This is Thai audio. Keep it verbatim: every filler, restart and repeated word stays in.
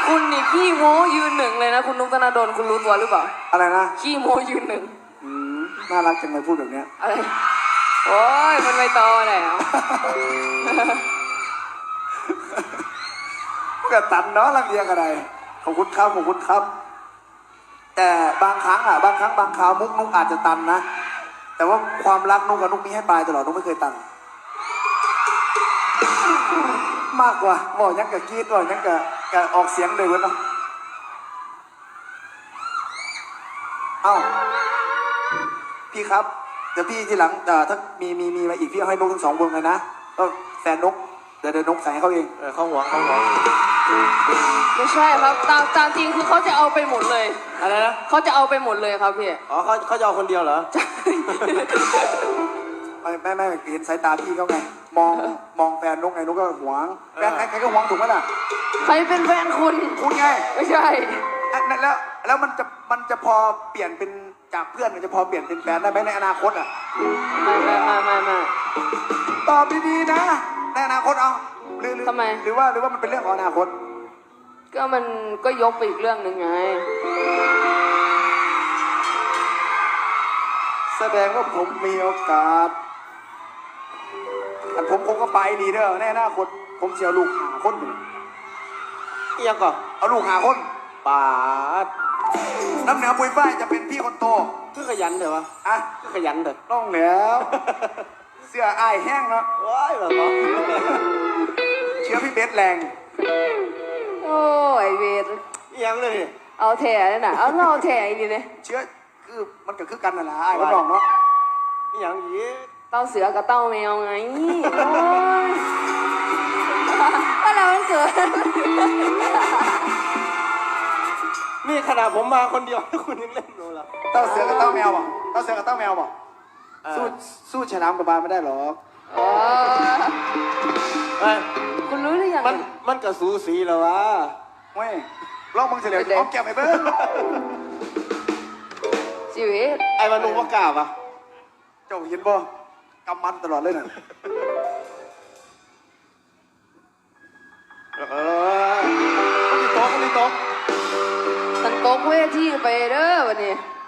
คุณนี่ขี้โม้ยืนหนึ่งเลยนะคุณนุกธนาดลคุณรู้ตัวหรือเปล่าอะไรนะขี้โม้ยืนหนึ่งอืมน่ารักจังเลยพูดแบบเนี้ยอะไรโอ้ยมันไม่ตอแล้วก็ตันเนาะรังเกียจอะไรขอบคุณครับขอบคุณครับแต่บางครั้งอ่ะบางครั้งบางคราวมุกนุกอาจจะตันนะแต่ว่าความรักนุกกับนุกมีให้ปลายตลอดนุกไม่เคยตันมากกว่าบอกยังกับกรีดบอกยังกับกับออกเสียงเลยเว้ยเนาะเอ้าพี่ครับเดี๋ยวพี่ทีหลังถ้ามีมีมีมาอีกพี่เอาให้นุกทั้งสองวงเลยนะก็แฟนนุกเดี๋ยวเดี๋ยวนกใส่ให้เขาเองเออเขาหวงเขาหวงไม่ใช่ครับตามตามจริงคือเขาจะเอาไปหมดเลยอะไรนะเขาจะเอาไปหมดเลยครับพี่อ๋อเขาเขาจะเอาคนเดียวเหรอใช่ไม่ไม่ไม่เห็นสายตาพี่เขาไงมองมองแฟนนุกไงนุกก็หวงแฟนใครใครก็หวงถูกไหมล่ะใครเป็นแฟนคุณคุณไงไม่ใช่แล้วแล้วมันจะมันจะพอเปลี่ยนเป็นจากเพื่อนมันจะพอเปลี่ยนเป็นแฟนได้ไหมในอนาคตอ่ะไม่ไม่ไม่ไม่ไม่ตอบดีๆนะในอนาคตเอาหรือทำไมหรือว่าหรือว่ามันเป็นเรื่องของอนาคตก็มันก็ยกไปอีกเรื่องหนึ่งไงแสดงว่าผมมีโอกาสอันผมผมก็ไปดีเด้อในอนาคตผมเสียลูกหาคนหนึ่งยังก่อนเอาลูกหาคนปาดน้ำเหนือปุยฝ้ายจะเป็นพี่คนโตคือขยันเถอะวะอ่ะคือขยันเถอะต้องแล้วเสื้ออ้ายแห้งเนาะว้ายแบบนี้เชื้อพี่เบสแรงโอ้ยเวทยังเลยเอาแถเลยนะเอาเราแถอีกทีเลยเชื้อคือมันก็คือกันน่ะนะไอ้ก็บอกเนาะยังยี้เต้าเสือกับเต้าแมวไงโอ้ยก็เราเกิดนี่ขนาดผมมาคนเดียวคุณยังเล่นดูละเต้าเสือกับเต้าแมวบอกเต้าเสือกับเต้าแมวบอกสู้สู้ฉลามกับบานไม่ได้หรอกคุณรู้หรือยังมันมันกับสูสีแล้ววะเว้ยลองมึงเฉลียวเอาแก้วไปเบิ้งชีวิตไอ้มนุษย์ว่ากล้าปะเจ้าเห็นบ่กำมันตลอดเลยน่ะเออมันมีโต๊ะมันมีโต๊ะตันโต๊ะเวทีไปเด้อวันนี้